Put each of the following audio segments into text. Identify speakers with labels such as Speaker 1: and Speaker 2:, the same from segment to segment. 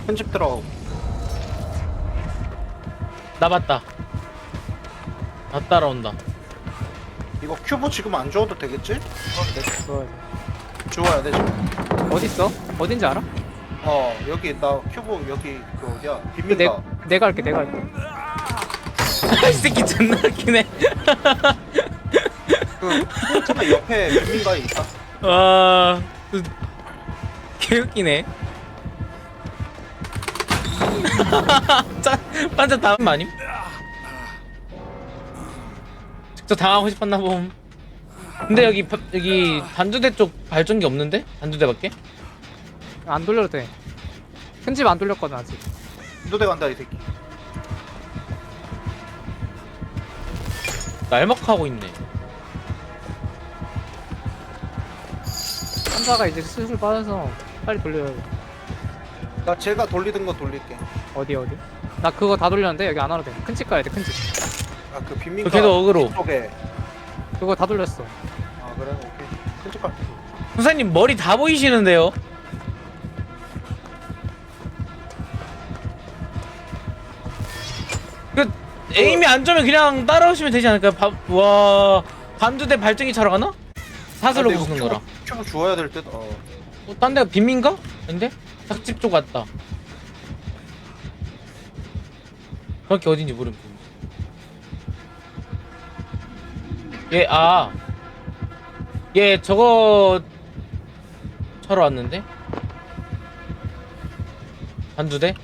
Speaker 1: 큰 집 들어가고.
Speaker 2: 나 봤다. 나 따라온다.
Speaker 1: 이거 큐브 지금 안 주워도 되겠지?
Speaker 3: 좋아요.
Speaker 1: 주워야 돼 지금.
Speaker 3: 어딨어? 어딘지 알아?
Speaker 1: 여기 나 큐브 여기 그 어디야?
Speaker 3: 그
Speaker 1: 빈민가.
Speaker 3: 내가 할게 내가 할게.
Speaker 2: 이 새끼 존나 웃기네.
Speaker 1: 그 잠깐 옆에 빈민가에 있다.
Speaker 2: 와, 개웃기네. 반전 다음 아님? 직접 당하고 싶었나 봄. 근데 여기 단두대 쪽 발전기 없는데? 단두대밖에?
Speaker 3: 안 돌려도 돼. 큰 집 안 돌렸거든 아직.
Speaker 1: 인도대 간다 이 새끼.
Speaker 2: 날먹하고 있네.
Speaker 3: 한자가 이제 슬슬 빠져서 빨리 돌려야 돼.
Speaker 1: 나 제가 돌리던 거 돌릴게.
Speaker 3: 어디? 나 그거 다 돌렸는데 여기 안 와도 돼. 큰 집 가야 돼. 큰 집.
Speaker 1: 아 그 빈민가.
Speaker 2: 걔도 어그로.
Speaker 1: 쪽에.
Speaker 3: 그거 다 돌렸어.
Speaker 1: 아 그래 오케이. 큰 집 갈게.
Speaker 2: 선생님 머리 다 보이시는데요? 그 에임이 안 좋으면 그냥 따라오시면 되지 않을까요? 와, 단두대 발전기 차러 가나? 사슬로
Speaker 1: 근데 이거
Speaker 2: 부수는 거라.
Speaker 1: 큐브 주워야 될 듯.
Speaker 2: 딴 데가 빈민가? 아닌데? 닭집 쪽 같다. 정확히 어딘지 모르겠어. 얘 저거 차러 왔는데? 단두대?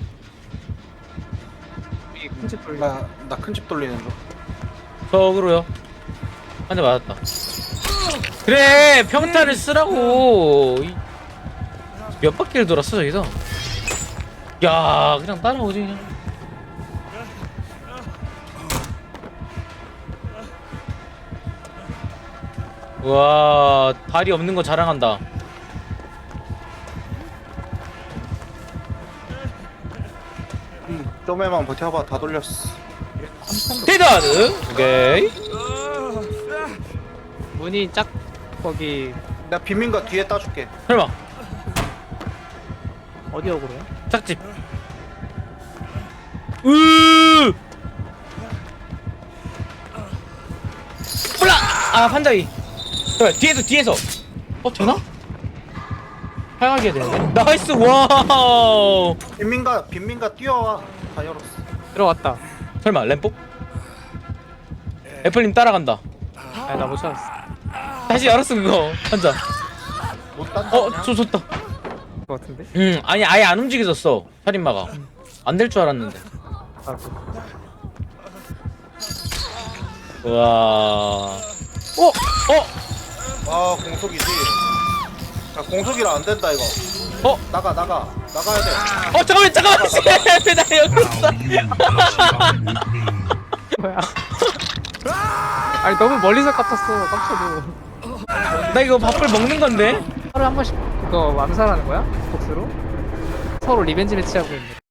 Speaker 3: 여기 큰 집 돌려.
Speaker 1: 나 큰 집 돌리는 중.
Speaker 2: 저그로요. 한 대 맞았다. 그래, 평타를 쓰라고. 몇 바퀴를 돌았어 저기서. 야, 그냥 따라오지 그냥. 와, 다리 없는 거 자랑한다.
Speaker 1: 좀에만 버텨봐. 다 돌렸어.
Speaker 2: 데드하드. 오케이.
Speaker 3: 문이 짝 거기
Speaker 1: 나 빈민가 뒤에 따줄게.
Speaker 2: 설마
Speaker 3: 어디 어그로야?
Speaker 2: 짝집. 으. 몰라. 아, 판자위. 그래, 뒤에서. 되나? 하향하게 해야 되는데. 나이스. 와우.
Speaker 1: 빈민가 뛰어와. 다 열었어.
Speaker 3: 들어왔다.
Speaker 2: 설마 램포? 애플님 따라간다.
Speaker 3: 아, 나 못 찾았어.
Speaker 2: 다시 열었어 그거. 판자.
Speaker 1: 못 딴다. 그냥.
Speaker 2: 좋다.
Speaker 3: 거 같은데?
Speaker 2: 아니 아예 안 움직여졌어. 살인마가. 안 될 줄 알았는데.
Speaker 3: 아,
Speaker 2: 와.
Speaker 1: 아 공속이지. 자 공속이라 안 된다 이거. 나가야 돼.
Speaker 2: 잠깐만. 씨, 나 여기 있어.
Speaker 3: 뭐야? 아니 너무 멀리서 깝쳤어. 깝쳐도.
Speaker 2: 나 이거 밥을 먹는 건데.
Speaker 3: 하루에 한 번씩 그거 암살하는 거야? 복수로? 서로 리벤지 매치하고 있는.